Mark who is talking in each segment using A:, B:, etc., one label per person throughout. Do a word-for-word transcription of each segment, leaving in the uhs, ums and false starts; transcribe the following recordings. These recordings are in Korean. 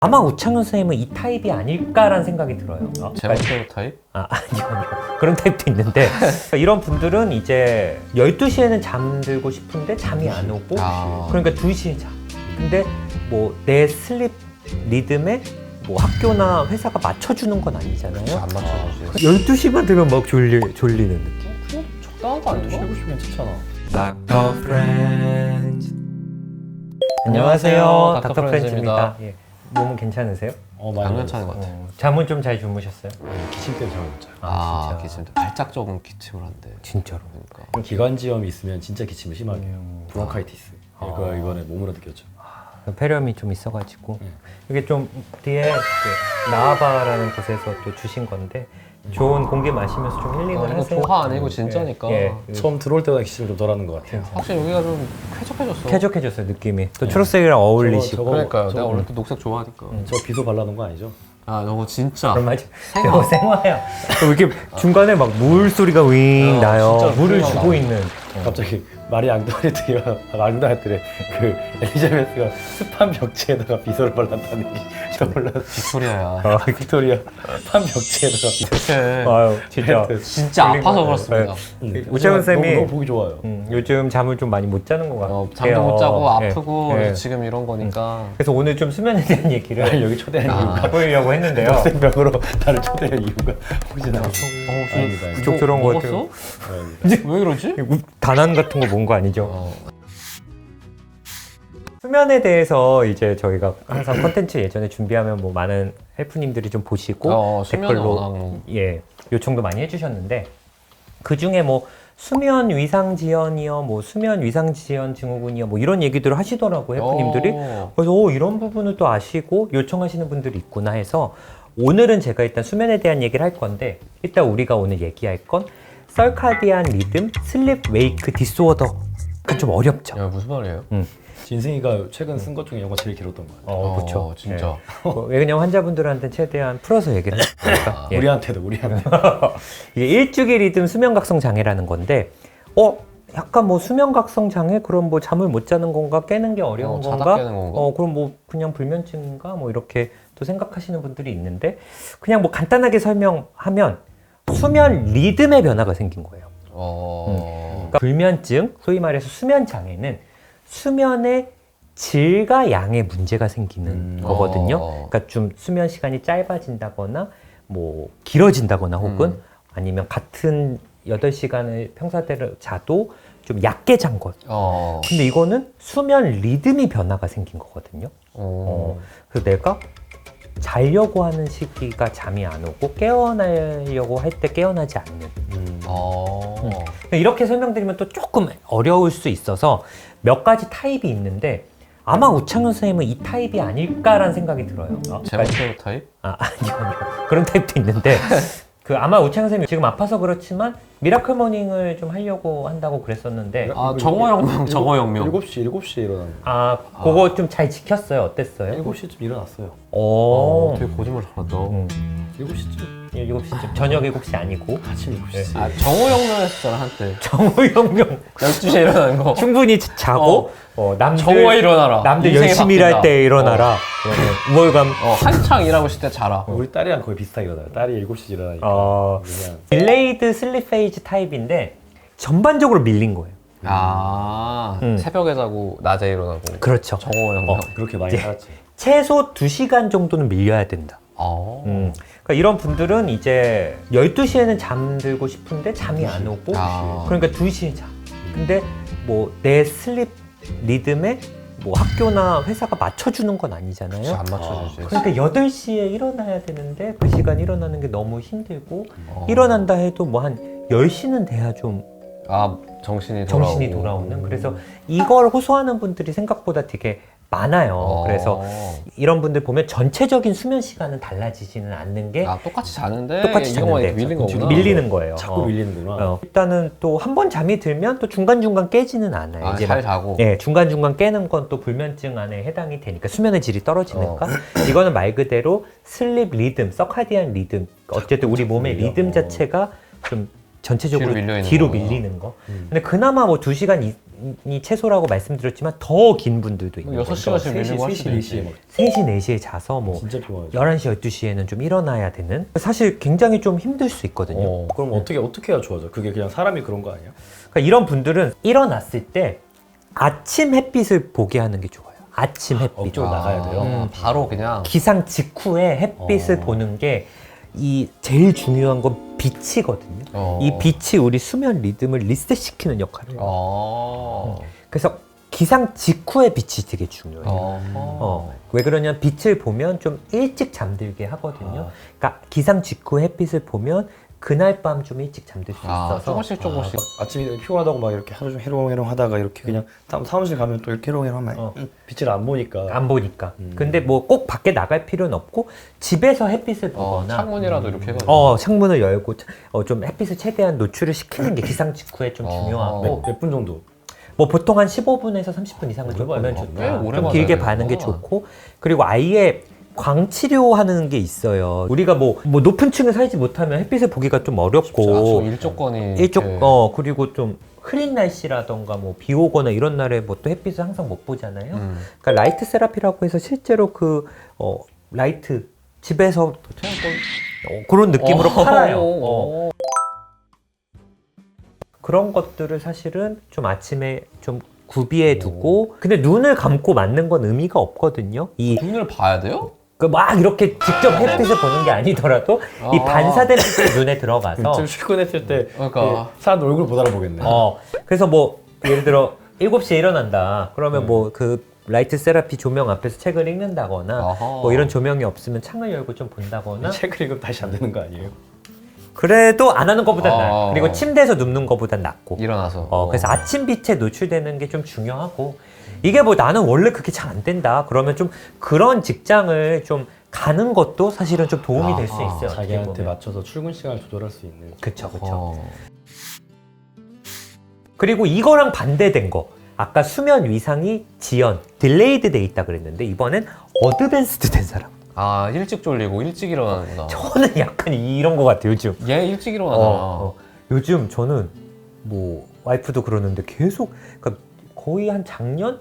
A: 아마 우창현 선생님은 이 타입이 아닐까라는 생각이 들어요.
B: 아, 제멋대로 타입?
A: 아, 아니요, 아니요. 그런 타입도 있는데 이런 분들은 이제 열두 시에는 잠들고 싶은데 잠이 안 오고
B: 아.
A: 그러니까 두 시에 자. 근데 뭐 내 슬립 리듬에 뭐 학교나 회사가 맞춰주는 건 아니잖아요.
B: 안 맞춰주지.
A: 열두 시만 되면 막 졸리, 졸리는 느낌.
B: 그냥 적당한 거 아닌가?
C: 쉬고 싶으면 괜찮아.
A: 닥터 프렌즈.
B: 안녕하세요,
A: 안녕하세요.
B: 닥터
A: 닥터
B: 프렌즈입니다.
A: 프렌즈입니다. 예. 몸은 괜찮으세요?
C: 어, 많이
B: 안 괜찮은 것 같아.
A: 어, 잠은 좀 잘 주무셨어요?
C: 기침 때문에 잠을 못 자요.
B: 아,
A: 진짜.
B: 기침. 발작 적은 기침을 한대.
A: 진짜로.
B: 그러니까.
C: 기관지염이 있으면 진짜 기침이 심하게 해요.
A: 음.
C: 브론카이티스. 이거
A: 아.
C: 이번에 몸으로 느꼈죠.
A: 폐렴이 좀 있어가지고
C: 네.
A: 이게 좀 뒤에 그 나아바라는 곳에서 또 주신 건데 좋은 공기 마시면서 좀 힐링을
B: 어, 이거
A: 하세요.
B: 조화 아니고 진짜니까.
A: 예, 예.
C: 처음 들어올 때보다 기침을 좀 덜하는 것 같아요.
B: 확실히 여기가 좀 쾌적해졌어.
A: 쾌적해졌어요 느낌이. 또 초록색이랑 어울리시고.
C: 저거-
B: 그러니까요.
C: 저거-
B: 내가 원래 또 녹색 좋아하니까.
A: 음.
C: 저 비도 발라놓은 거 아니죠?
B: 아, 저거 진짜.
A: 그런 말이
B: 생화.
A: 이거 생화야. 또 이렇게 중간에 막 물 소리가 윙
B: 어,
A: 나요.
B: 진짜
A: 물을
B: 생화
A: 주고
B: 나.
A: 있는.
C: 갑자기 마리 앙뚜아네트가 앙뚜아네트래 그 엘리자베스가 습한 벽지에다가 비서를 발랐다는 게 떠올랐어.
B: 빅토리아야.
A: 아,
C: 빅토리아 습한 벽지에다가 비서.
B: 그치.
A: 아유 진짜.
B: 진짜
A: 졸린
B: 아파서
A: 거예요.
B: 그렇습니다.
C: 음,
A: 우창현 쌤이-
C: 너무, 너무 보기 좋아요.
A: 음, 요즘 잠을 좀 많이 못 자는 것 같아요.
B: 어, 잠도 못 자고
A: 예,
B: 아프고
A: 예.
B: 그래서 지금 이런 거니까.
A: 그래서 오늘 좀 수면에 대한
C: 나를
A: 얘기를
C: 여기 초대한
B: 아.
C: 이유가
A: 해보려고 했는데요.
C: 학생병으로 나를 초대한 이유가 혹시나
B: 어,
C: 아닙니다. 아닙니다.
A: 그쪽 들어온 것 같아요.
B: 먹었어?
C: 아닙니다.
B: 왜 그러지?
A: 단안 같은 거 본 거 아니죠?
B: 어.
A: 수면에 대해서 이제 저희가 항상 컨텐츠 예전에 준비하면 뭐 많은 헬프님들이 좀 보시고
B: 어, 수면은
A: 댓글로
B: 워낙
A: 예 요청도 많이 해주셨는데 그 중에 뭐 수면 위상 지연이요, 뭐 수면 위상 지연 증후군이요, 뭐 이런 얘기들을 하시더라고 헬프님들이.
B: 어.
A: 그래서 오, 이런 부분을 또 아시고 요청하시는 분들이 있구나 해서 오늘은 제가 일단 수면에 대한 얘기를 할 건데 일단 우리가 오늘 얘기할 건 서카디안 리듬 슬립 웨이크 디스오더가 좀 어렵죠.
B: 야, 무슨 말이에요?
C: 진승이가 최근 쓴 것 중에 영어 제일 길었던 것 같아요.
A: 어, 그렇죠.
B: 진짜.
A: 뭐, 왜냐면 환자분들한테 최대한 풀어서 얘기를 하니까. 예.
C: 우리한테도 우리한테.
A: 이게 일주기 리듬 수면각성 장애라는 건데, 어 약간 뭐 수면각성 장애 그럼 뭐 잠을 못 자는 건가 깨는 게 어려운
B: 어, 자다
A: 건가?
B: 깨는 건가?
A: 어 그럼 뭐 그냥 불면증인가 뭐 이렇게 또 생각하시는 분들이 있는데 그냥 뭐 간단하게 설명하면 수면 리듬의 변화가 생긴 거예요.
B: 어.
A: 그러니까 불면증, 소위 말해서 수면 장애는 수면의 질과 양의 문제가 생기는
C: 음.
A: 거거든요.
B: 어.
A: 그러니까 좀 수면 시간이 짧아진다거나 뭐 길어진다거나 혹은
B: 음.
A: 아니면 같은 여덟 시간을 평사대로 자도 좀 얕게 잔 것.
B: 어.
A: 근데 이거는 수면 리듬이 변화가 생긴 거거든요.
B: 어.
A: 그래서 내가 자려고 하는 시기가 잠이 안 오고 깨어나려고 할 때 깨어나지 않는.
C: 음.
B: 어.
A: 이렇게 설명드리면 또 조금 어려울 수 있어서 몇 가지 타입이 있는데 아마 우창현 선생님은 이 타입이 아닐까라는 생각이 들어요. 아,
B: 제멋대로 타입?
A: 아, 아니요, 아니요. 그런 타입도 있는데 그 아마 우창현 선생님이 지금 아파서 그렇지만 미라클 모닝을 좀 하려고 한다고 그랬었는데
B: 아, 정어영명, 정어영명.
C: 일곱 시 일곱 시에 일어난.
A: 아, 그거 좀 잘 지켰어요. 어땠어요?
C: 일곱 시쯤 일어났어요.
A: 오.
B: 어, 되게 거짓말 잘한다.
A: 음.
C: 일곱 시쯤.
A: 일곱 시쯤 저녁 일곱 시 아니고
C: 아침 일곱 시.
B: 아, 정어영명 했었잖아, 한때.
A: 정우영명
B: 열두 시에 일어나는 거.
A: 충분히 자고 어, 남들
B: 정오에 일어나라.
A: 남들
B: 인생이
A: 열심히
B: 바뀐다.
A: 일할 때 일어나라. 그러면 우월감.
B: 어, 한창 일하고 있을 때 자라.
C: 우리 딸이랑 거의 비슷하게 일어나요. 딸이 일곱 시 일어나니까.
A: 어,
C: 그냥
A: 딜레이드 슬립 페이즈 타입인데 전반적으로 밀린 거예요.
B: 아,
A: 음.
B: 새벽에 자고 낮에 일어나고.
A: 그렇죠.
B: 정어영명.
A: 어.
C: 그렇게 많이 살았지.
A: 최소 두 시간 정도는 밀려야 된다.
B: 어.
A: 음. 그러니까 이런 분들은 이제 열두 시에는 잠들고 싶은데 잠이 안 오고
B: 아.
A: 그러니까 두 시에 자. 근데 뭐 내 슬립 리듬에 뭐 학교나 회사가 맞춰주는 건 아니잖아요.
B: 진짜 안 맞춰주지.
A: 그러니까 여덟 시에 일어나야 되는데 그 시간 일어나는 게 너무 힘들고
B: 어.
A: 일어난다 해도 뭐 한 열 시는 돼야 좀
B: 아, 정신이 돌아오고.
A: 정신이 돌아오는. 그래서 이걸 호소하는 분들이 생각보다 되게 많아요.
B: 어.
A: 그래서 이런 분들 보면 전체적인 수면 시간은 달라지지는 않는 게
B: 아, 똑같이 자는데
A: 똑같이
B: 이거만
A: 자는데
B: 이렇게 밀린 거구나.
A: 밀리는 거예요.
C: 자꾸
A: 어.
C: 밀리는구나.
A: 어. 일단은 또 한 번 잠이 들면 또 중간중간 깨지는 않아요.
B: 아,
A: 이제
B: 잘
A: 막
B: 자고.
A: 예, 중간중간 깨는 건 또 불면증 안에 해당이 되니까 수면의 질이 떨어지니까
B: 어.
A: 이거는 말 그대로 슬립 리듬, 서카디안 리듬 어쨌든 우리 몸의
C: 밀려.
A: 리듬
C: 어.
A: 자체가 좀 전체적으로
B: 뒤로 밀려 있는
A: 뒤로
B: 거구나.
A: 밀리는 거.
C: 음.
A: 근데 그나마 뭐 두 시간 이, 시간이 최소라고 말씀드렸지만 더 긴 분들도 있는
B: 여섯
A: 거죠.
B: 시간씩
C: 세 시,
B: 밀리고 할
C: 세 시,
B: 수도
C: 네 시에
B: 있지.
C: 막
A: 세 시, 네 시에 자서 뭐
C: 진짜 피곤하죠.
A: 열한 시, 열두 시에는 좀 일어나야 되는 사실 굉장히 좀 힘들 수 있거든요.
B: 어.
C: 그럼 어떻게 어떻게 해야 좋아져? 그게 그냥 사람이 그런 거 아니야?
A: 그러니까 이런 분들은 일어났을 때 아침 햇빛을 보게 하는 게 좋아요. 아침 햇빛.
C: 업적으로 나가야 돼요.
B: 아, 바로 그냥
A: 기상 직후에 햇빛을
C: 어.
A: 보는 게 이 제일 중요한 건 빛이거든요.
B: 어.
A: 이 빛이 우리 수면 리듬을 리셋시키는 역할을 해요.
B: 어.
A: 그래서 기상 직후의 빛이 되게 중요해요.
B: 어.
A: 어, 왜 그러냐면 빛을 보면 좀 일찍 잠들게 하거든요.
C: 아.
A: 그러니까 기상 직후 햇빛을 보면 그날 밤 좀 일찍 잠들 수
B: 아,
A: 있어서
B: 조금씩 조금씩.
C: 아, 아침에 피곤하다고 막 이렇게 하루 종일 해롱해롱 하다가 이렇게 그냥 사- 사무실 가면 또 이렇게 해롱해롱 하면
A: 어.
C: 음, 빛을 안 보니까
A: 안 보니까.
C: 음.
A: 근데 뭐 꼭 밖에 나갈 필요는 없고 집에서 햇빛을
B: 어,
A: 보거나
B: 창문이라도 이렇게 해가지고.
A: 어, 창문을 열고 어, 좀 햇빛을 최대한 노출을 시키는 게 기상 직후에 좀
B: 어.
A: 중요하고
C: 몇 분 정도?
A: 뭐 보통 한 십오 분에서 삼십 분 이상은 좀
C: 오래
A: 보면
C: 봐야
A: 좋다.
B: 꽤 오래
A: 좀
B: 봐야
A: 길게
B: 되는구나.
A: 봐는 게 좋고 그리고 아예 광치료하는 게 있어요. 우리가 뭐, 뭐 높은 층에 살지 못하면 햇빛을 보기가 좀
B: 아,
A: 어렵고
B: 일조건이
A: 일쪽
B: 이렇게-
A: 어 그리고 좀 흐린 날씨라던가 뭐 비 오거나 이런 날에 뭐 또 햇빛을 항상 못 보잖아요.
B: 음.
A: 그러니까 라이트 세라피라고 해서 실제로 그 어, 라이트 집에서 어, 그런 느낌으로
B: 어.
A: 팔아요.
B: 어.
A: 어. 그런 것들을 사실은 좀 아침에 좀 구비해 두고 근데 눈을 감고 맞는 건 의미가 없거든요. 이
B: 눈을 봐야 돼요?
A: 그 막 이렇게 직접 햇빛을 보는 게 아니더라도 이
B: 아.
A: 반사된 빛이 눈에 들어가서
C: 좀 출근했을 때
B: 그러니까.
C: 그 사람 얼굴 못 알아보겠네.
A: 어 그래서 뭐 예를 들어 일곱 시에 일어난다 그러면
C: 네.
A: 뭐 그 라이트 세라피 조명 앞에서 책을 읽는다거나
B: 아하.
A: 뭐 이런 조명이 없으면 창을 열고 좀 본다거나
C: 책을 읽으면 다시 안 되는 거 아니에요?
A: 그래도 안 하는 것보단
B: 아.
A: 나아요. 그리고 침대에서 눕는 것보단 낫고
B: 일어나서.
A: 어, 그래서 아침 빛에 노출되는 게 좀 중요하고 이게 뭐 나는 원래 그렇게 잘 안 된다 그러면 좀 그런 직장을 좀 가는 것도 사실은 좀 도움이 될 수
B: 아하.
A: 있어요. 어떻게
C: 자기한테
A: 보면.
C: 맞춰서 출근 시간을 조절할 수 있는.
A: 그쵸 그쵸.
B: 어.
A: 그리고 이거랑 반대된 거 아까 수면 위상이 지연, 딜레이드 돼 있다 그랬는데 이번엔 어드밴스드 된 사람.
B: 아, 일찍 졸리고 일찍 일어나는구나.
A: 저는 약간 이런 거 같아요 요즘.
B: 얘 일찍 일어나잖아.
A: 어, 어. 요즘 저는 뭐 와이프도 그러는데 계속 그러니까 거의 한 작년?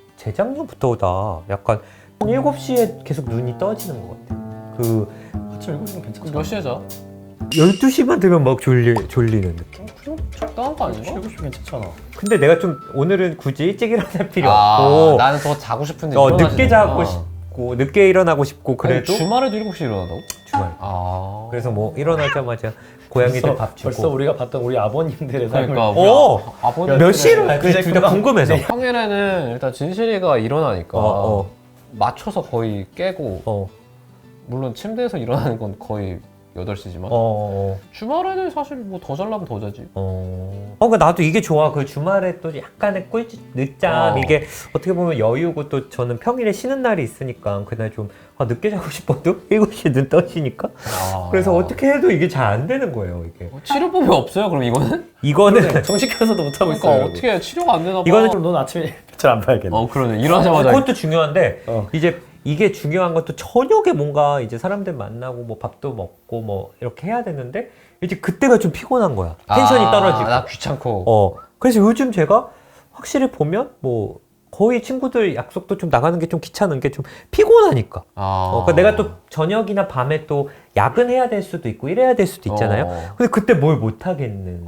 A: 재작년부터다 약간 한 일곱 시에 계속 눈이 떠지는 것 같아요. 그
C: 아침 일곱 시면 괜찮죠?
B: 몇 시에 자?
A: 열두 시만 되면 막 졸리, 졸리는 느낌.
B: 좀 적당한 거 아닌가?
C: 일곱 시면 괜찮잖아.
A: 근데 내가 좀 오늘은 굳이 일찍 일어날 필요
B: 아,
A: 없고
B: 나는 더 자고 싶은데
A: 어,
B: 일어나지는
A: 늦게 자고
B: 않아.
A: 싶고 늦게 일어나고 싶고 그래도
B: 아니, 주말에도 일곱 시에 일어난다고?
A: 주말.
B: 아.
A: 그래서 뭐 일어나자마자 고양이들
C: 벌써,
A: 밥 주고
C: 벌써 우리가 봤던 우리 아버님들의 삶을
B: 그러니까 우리
A: 오!
B: 아- 아버지
A: 몇 시에 일어나?
C: 그제
A: 그게 둘 다
C: 금방-
A: 궁금해서.
B: 평일에는 일단 진실이가 일어나니까
A: 어, 어.
B: 맞춰서 거의 깨고
A: 어,
B: 물론 침대에서 일어나는 건 거의 여덟 시지만
A: 어, 어,
B: 주말에는 사실 뭐 더 잘라면 더 자지.
A: 어. 어, 그 나도 이게 좋아. 그 주말에 또 약간의 꿀 늦잠
B: 어.
A: 이게 어떻게 보면 여유고 또 저는 평일에 쉬는 날이 있으니까 그날 좀 아, 늦게 자고 싶어도 일곱 시에 눈 떠지니까
B: 아.
A: 그래서 어떻게 해도 이게 잘 안 되는 거예요 이게.
B: 어, 치료법이 없어요? 그럼 이거는?
A: 이거는
C: 정식해서도 못 하고
B: 그러니까
C: 있어요.
B: 어떻게 치료가 안 되나 봐.
A: 이거는
C: 그럼 넌 아침에 잘 안 봐야겠네.
B: 어 그러네. 일어나자마자
A: 그것도 중요한데
C: 어.
A: 이제 이게 중요한 것도 저녁에 뭔가 이제 사람들 만나고 뭐 밥도 먹고 뭐 이렇게 해야 되는데 이제 그때가 좀 피곤한 거야. 텐션이
B: 아,
A: 떨어지고.
B: 나 귀찮고.
A: 어. 그래서 요즘 제가 확실히 보면 뭐 거의 친구들 약속도 좀 나가는 게 좀 귀찮은 게 좀 피곤하니까.
B: 아.
A: 어, 그러니까 내가 또 저녁이나 밤에 또 야근해야 될 수도 있고 이래야 될 수도 있잖아요.
B: 어.
A: 근데 그때 뭘 못 하겠는 거 있는 거야.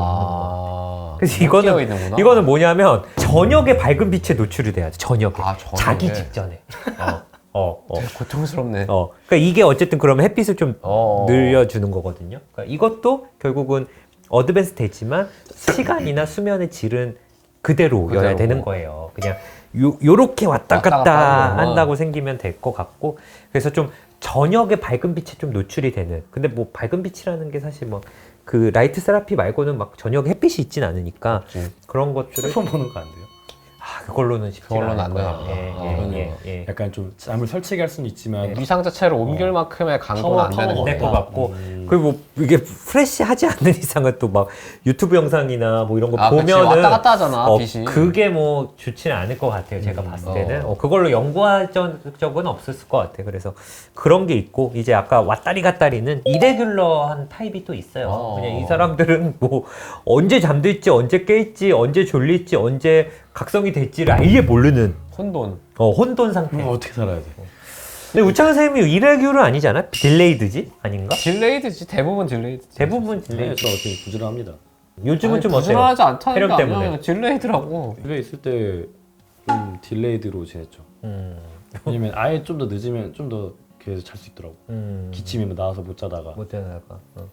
B: 아.
A: 그래서
B: 못
A: 이거는
B: 깨어 있는구나.
A: 이거는 뭐냐면 저녁에 밝은 빛에 노출이 돼야 돼. 저녁에.
B: 아, 저녁에.
A: 자기 직전에. 어. 어. 어.
B: 되게 고통스럽네.
A: 어. 그러니까 이게 어쨌든 그러면 햇빛을 좀
B: 어.
A: 늘려주는 거거든요. 그러니까 이것도 결국은 어드밴스 되지만 시간이나 수면의 질은 그대로여야
B: 그대로고.
A: 되는 거예요. 그냥 요, 요렇게 왔다
B: 왔다
A: 갔다,
B: 갔다 하는 거구나.
A: 한다고 생기면 될 것 같고 그래서 좀 저녁에 밝은 빛에 좀 노출이 되는 근데 뭐 밝은 빛이라는 게 사실 뭐 그 라이트 세라피 말고는 막 저녁에 햇빛이 있진 않으니까
B: 없지.
A: 그런 것들을
C: 휴대폰 보는 거 안 돼요?
A: 아, 그걸로는 쉽지
B: 그걸로는
A: 않을
B: 안
A: 거예요.
B: 돼요.
A: 예,
B: 아,
A: 예,
C: 그러네요.
A: 예, 예.
C: 약간 좀 잠을 설치게 할 수는 있지만
B: 위상 자체를 옮길
C: 어.
B: 만큼의 강도는
C: 파워,
B: 안 되는
C: 파워가
A: 될
B: 거예요.
A: 것 같고
C: 음.
A: 그리고 뭐 이게 프레시하지 않는 이상은 또 막 유튜브 영상이나 뭐 이런 거
B: 아, 그치.
A: 보면은
B: 왔다 갔다 하잖아,
A: 어,
B: 빛이.
A: 그게 뭐 좋지는 않을 것 같아요. 제가
C: 음.
A: 봤을 때는
B: 어.
A: 어, 그걸로 연구한 적- 적은 없었을 것 같아요. 그래서 그런 게 있고 이제 아까 왔다리 갔다리는 이레귤러한 타입이 또 있어요.
B: 어.
A: 그냥 이 사람들은 뭐 언제 잠들지, 언제 깨있지, 언제 졸릴지, 언제 각성이 될지를 아예 모르는
B: 혼돈.
A: 어, 혼돈 상태.
C: 음, 어떻게 살아야 돼?
A: 근데 우창 선생님이 이레귤은 아니잖아? 딜레이드지? 아닌가?
B: 딜레이드지. 대부분 딜레이드지.
A: 대부분
C: 네,
A: 딜레이드.
C: 저 어떻게 부지런합니다.
A: 요즘은
B: 아니,
A: 좀 어때요?
B: 부지런하지 않다는
A: 촬영
B: 게
A: 때문에.
B: 아니라 딜레이드라고.
C: 집에 있을 때 좀 딜레이드로 지냈죠.
A: 음,
C: 왜냐면 아예 좀 더 늦으면 좀 더 계속 잘 수 있더라고.
A: 음.
C: 기침이면 나와서 못 자다가.
A: 못 되나가. 어.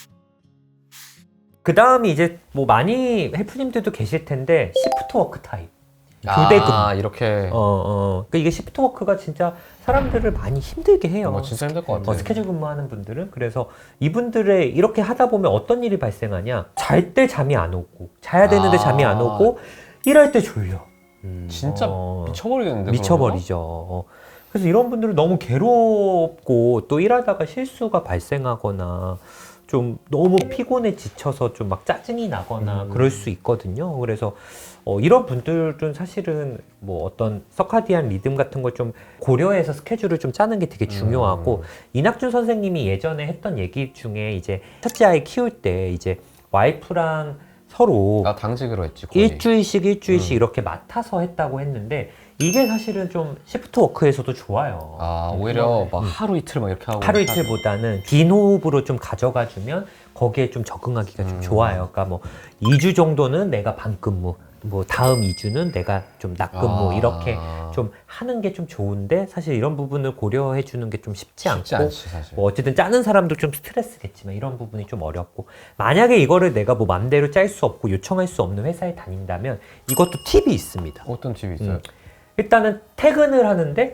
A: 그 다음이 이제 뭐 많이 헬프님들도 계실 텐데 시프트 워크 타입. 교대금.
B: 아, 이렇게.
A: 어, 어. 그러니까 이게 시프트 워크가 진짜 사람들을 많이 힘들게 해요.
B: 어, 진짜 힘들 것 같아.
A: 어, 스케줄 근무하는 분들은. 그래서 이분들의 이렇게 하다 보면 어떤 일이 발생하냐. 잘 때 잠이 안 오고, 자야 되는데
B: 아.
A: 잠이 안 오고, 일할 때 졸려.
C: 음.
B: 진짜
A: 어.
B: 미쳐버리겠는데.
A: 미쳐버리죠. 어. 그래서 이런 분들은 너무 괴롭고 또 일하다가 실수가 발생하거나 좀 너무 피곤에 지쳐서 좀 막 짜증이 나거나
C: 음.
A: 그럴 수 있거든요. 그래서 어, 이런 분들은 사실은 뭐 어떤 서카디안 리듬 같은 걸 좀 고려해서 스케줄을 좀 짜는 게 되게 중요하고
C: 음.
A: 이낙준 선생님이 예전에 했던 얘기 중에 이제 첫째 아이 키울 때 이제 와이프랑 서로
B: 나 당직으로 했지. 거의.
A: 일주일씩 일주일씩
B: 음.
A: 이렇게 맡아서 했다고 했는데 이게 사실은 좀 시프트 워크에서도 좋아요.
B: 아, 오히려 막 하루 이틀 막 이렇게 하고.
A: 하루 이틀보다는 긴 호흡으로 좀 가져가 주면 거기에 좀 적응하기가 좀
B: 음.
A: 좋아요. 그러니까 뭐 이 주 정도는 내가 반근무, 뭐 다음 이 주는 내가 좀 낮근무
B: 아.
A: 이렇게 좀 하는 게 좀 좋은데 사실 이런 부분을 고려해 주는 게 좀 쉽지,
B: 쉽지
A: 않고
B: 않지, 사실.
A: 뭐 어쨌든 짜는 사람도 좀 스트레스겠지만 이런 부분이 좀 어렵고 만약에 이거를 내가 뭐 맘대로 짤 수 없고 요청할 수 없는 회사에 다닌다면 이것도 팁이 있습니다.
B: 어떤 팁이 있어요?
A: 음. 일단은 퇴근을 하는데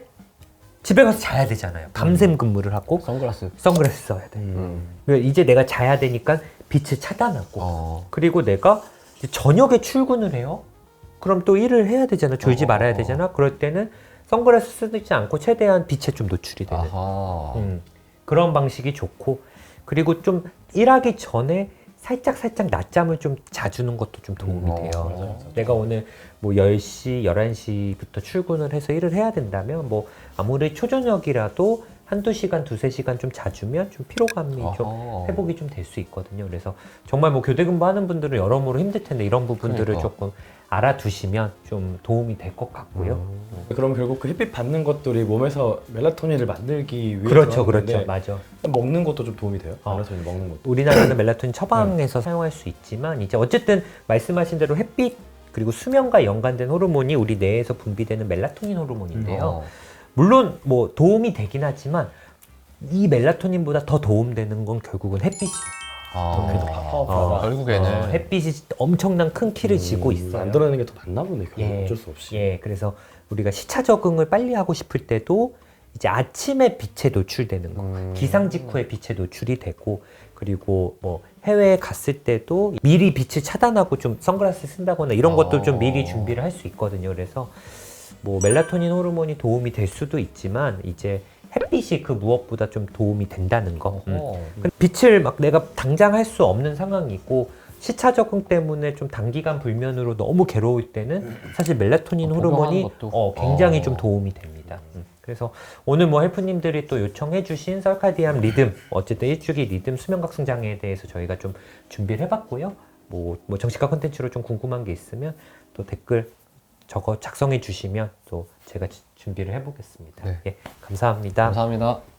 A: 집에 가서 자야 되잖아요. 밤샘 근무를 하고
B: 선글라스.
A: 선글라스 써야 돼.
C: 음.
A: 그러니까 이제 내가 자야 되니까 빛을 차단하고
B: 어.
A: 그리고 내가 이제 저녁에 출근을 해요. 그럼 또 일을 해야 되잖아. 졸지
B: 어.
A: 말아야 되잖아. 그럴 때는 선글라스 쓰지 않고 최대한 빛에 좀 노출이 되는
B: 아하.
A: 음, 그런 방식이 좋고 그리고 좀 일하기 전에 살짝 살짝 낮잠을 좀 자주는 것도 좀 도움이
B: 음,
A: 돼요.
B: 어,
C: 맞아, 맞아.
A: 내가 오늘 뭐 열 시, 열한 시부터 출근을 해서 일을 해야 된다면 뭐 아무리 초저녁이라도 한두 시간, 두세 시간 좀 자주면 좀 피로감이 좀
B: 아하.
A: 회복이 좀 될 수 있거든요. 그래서 정말 뭐 교대 근무하는 분들은 여러모로 힘들 텐데 이런 부분들을
B: 그러니까.
A: 조금 알아두시면 좀 도움이 될 것 같고요.
B: 음.
C: 그럼 결국 그 햇빛 받는 것들이 몸에서 멜라토닌을 만들기 위해서
A: 그렇죠,
C: 하는
A: 그렇죠,
C: 건데
A: 맞아.
C: 먹는 것도 좀 도움이 돼요?
A: 어.
C: 멜라토닌 먹는 것도.
A: 우리나라는 멜라토닌 처방에서 사용할 수 있지만 이제 어쨌든 말씀하신 대로 햇빛 그리고 수면과 연관된 호르몬이 우리 뇌에서 분비되는 멜라토닌 호르몬인데요.
B: 어.
A: 물론 뭐 도움이 되긴 하지만 이 멜라토닌보다 더 도움되는 건 결국은 햇빛이.
B: 아.
C: 그게 더 파워풀하다.
A: 어,
B: 결국에는.
A: 어, 햇빛이 엄청난 큰 키를 지고 있어요.
C: 만들어내는 게 더 맞나 보네. 그거
A: 예,
C: 어쩔 수 없이.
A: 예, 그래서 우리가 시차 적응을 빨리 하고 싶을 때도 이제 아침에 빛에 노출되는 거,
B: 음.
A: 기상 직후에 빛에 노출이 되고, 그리고 뭐 해외에 갔을 때도 미리 빛을 차단하고 좀 선글라스 쓴다거나 이런 것도 좀
B: 어.
A: 미리 준비를 할 수 있거든요. 그래서 뭐 멜라토닌 호르몬이 도움이 될 수도 있지만 이제 햇빛이 그 무엇보다 좀 도움이 된다는 거. 음.
B: 어.
A: 근데 빛을 막 내가 당장 할 수 없는 상황이고 시차 적응 때문에 좀 단기간 불면으로 너무 괴로울 때는 사실 멜라토닌
B: 어,
A: 호르몬이
B: 복용하는 것도?
A: 어, 굉장히
B: 어.
A: 좀 도움이 됩니다. 음. 그래서 오늘 뭐 헬프님들이 또 요청해주신 설카디안 리듬, 어쨌든 일주기 리듬 수면각성 장애에 대해서 저희가 좀 준비를 해봤고요. 뭐, 뭐 정식화 콘텐츠로 좀 궁금한 게 있으면 또 댓글 적어 작성해 주시면 또 제가 지- 준비를 해보겠습니다.
B: 네.
A: 예, 감사합니다.
B: 감사합니다.